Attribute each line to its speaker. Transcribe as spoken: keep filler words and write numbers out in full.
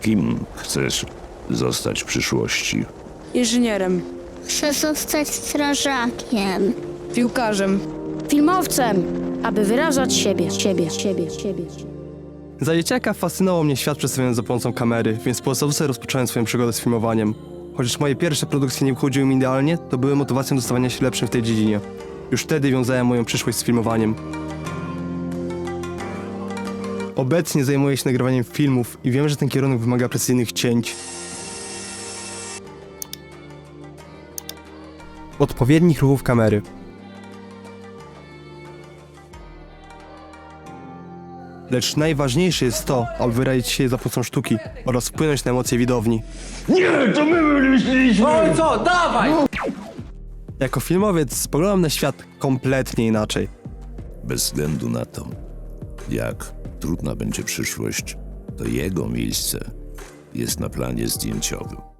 Speaker 1: Kim chcesz zostać w przyszłości?
Speaker 2: Inżynierem,
Speaker 3: Chcę zostać strażakiem.
Speaker 2: piłkarzem,
Speaker 4: Filmowcem, aby wyrażać siebie, siebie, siebie, siebie.
Speaker 5: Za dzieciaka fascynował mnie świat przedstawiony za pomocą kamery, więc po podstawówce rozpocząłem swoją przygodę z filmowaniem. Chociaż moje pierwsze produkcje nie uchodziły mi idealnie, to były motywacją do stawania się lepszym w tej dziedzinie. Już wtedy wiązałem moją przyszłość z filmowaniem. Obecnie zajmuję się nagrywaniem filmów i wiem, że ten kierunek wymaga precyzyjnych cięć, odpowiednich ruchów kamery. Lecz najważniejsze jest to, aby wyrazić się za pomocą sztuki oraz wpłynąć na emocje widowni.
Speaker 1: Nie, to my wymyśliliśmy!
Speaker 6: Oj, co? Dawaj!
Speaker 5: Jako filmowiec spoglądam na świat kompletnie inaczej.
Speaker 1: Bez względu na to, jak trudna będzie przyszłość, to jego miejsce jest na planie zdjęciowym.